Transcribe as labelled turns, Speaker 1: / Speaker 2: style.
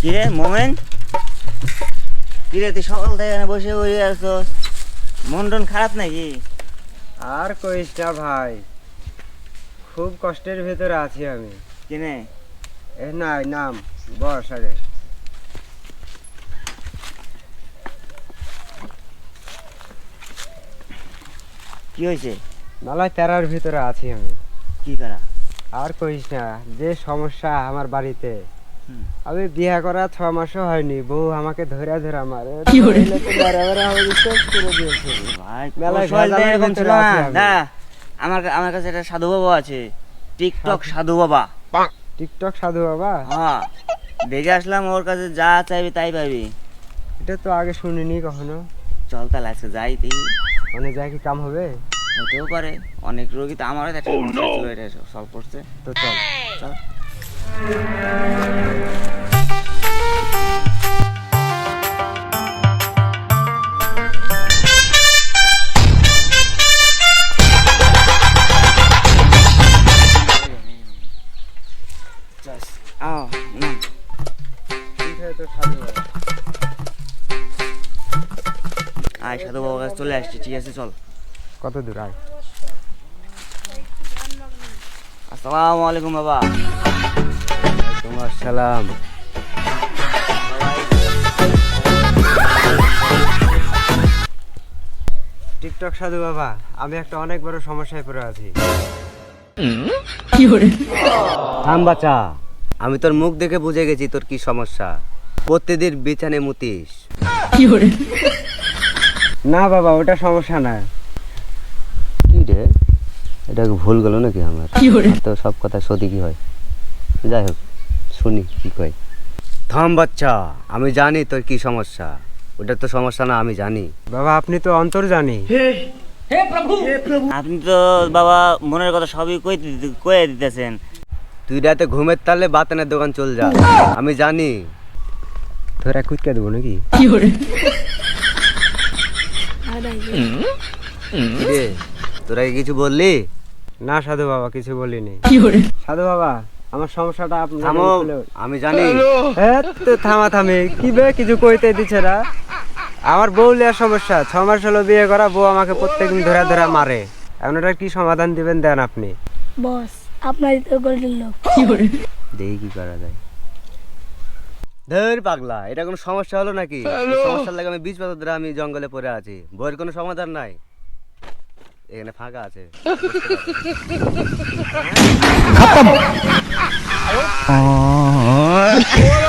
Speaker 1: কিরে মোমেন, কিরে তুই সকাল থেকে এখানে বসে বসে আছস, মন টন খারাপ নাকি?
Speaker 2: আর কইস না ভাই, খুব কষ্টের ভেতরে আছি আমি।
Speaker 1: কিনে
Speaker 2: এ নাই নাম বস আগে।
Speaker 1: কি হয়েছে?
Speaker 2: নালায় তেরার ভিতরে আছি আমি।
Speaker 1: কি করা?
Speaker 2: আর কইস না, যে সমস্যা আমার বাড়িতে।
Speaker 1: হুম।
Speaker 2: আমি বিয়ে করা 6 মাসও হয়নি, বউ আমাকে ধরে ধরে মারে।
Speaker 1: ভাই
Speaker 2: মেলায়
Speaker 1: কৌশল তো
Speaker 2: ভেজালের
Speaker 1: এরকম
Speaker 2: ভিতরে
Speaker 1: ছিল না।
Speaker 2: আছি আমি।
Speaker 1: না, আমার কাছে একটা সাধু বাবা আছে, টিকটক সাধু বাবা।
Speaker 2: টিকটক সাধু বাবা?
Speaker 1: হ্যাঁ, দেখে আসলাম, ওর কাছে যা চাইবি তাই পাবি।
Speaker 2: এটা তো আগে শুনিনি কখনো।
Speaker 1: চল তাহলে আজকে যাই তুই।
Speaker 2: মানে যা কি কাম হবে?
Speaker 1: হতেও পারে, অনেক রোগী তো আমারও একটা সমস্যা ছিল, এটা সলভ করছে।
Speaker 2: তো চল।
Speaker 1: চল। আও, নাম।
Speaker 2: ঠিক আছে তো সাধু বাবা।
Speaker 1: আয় সাধু বাবার কাছে চলে আসছি, ঠিক আছে চল।
Speaker 2: কত দূর আয়?
Speaker 1: আসসালামু আলাইকুম বাবা।
Speaker 2: তোমার সালাম। টিকটক সাধু বাবা, আমি একটা অনেক বড় সমস্যায় পড়ে আছি।
Speaker 3: থাম বাচ্চা, আমি তোর মুখ দেখে বুঝে গেছি তোর কি সমস্যা। প্রতিদিন বিছানে মুতিস।
Speaker 2: না বাবা, ওটা সমস্যা না।
Speaker 3: কি রে, এটা ভুল গেল নাকি আমার? তো সব কথা সত্যি কি হয়? যাই হোক, শুনি কি কয়। থাম বাচ্চা, আমি জানি তোর কি সমস্যা। ওটা তো সমস্যা না, আমি জানি।
Speaker 2: বাবা আপনি তো অন্তর্জানি।
Speaker 1: আপনি তো বাবা মনের কথা সবই কয়ে দিতেছেন।
Speaker 3: তুই রাতে ঘুমের তালে বাতানের দোকান চল যা, আমি জানি।
Speaker 2: তোরা কুইকা দেবো নাকি?
Speaker 3: রে, তোরা কি কিছু বললি?
Speaker 2: না সাধু বাবা, কিছু বলিনি। সাধু বাবা, আমার সমস্যাটা আপনি
Speaker 3: থামো, আমি জানি।
Speaker 2: থামি কি বে, কিছু কইতে দিচ্ছে না। আমার বউ লিয়ার সমস্যা, 6 মাস হলো বিয়ে করা, বউ আমাকে প্রত্যেকদিন ধরে ধরে মারে। এখন এটা কি সমাধান দিবেন দেন আপনি।
Speaker 4: বস আপনারই তো গোল্ডেন লোক।
Speaker 3: দেখি কি করা যায়। ধর পাগলা, এটা কোনো সমস্যা হলো নাকি? সমস্যার লাগে আমি 20 বছর ধরে আমি জঙ্গলে পড়ে আছি, বইয়ের কোনো সমাধান নাই। এখানে ফাঁকা আছে।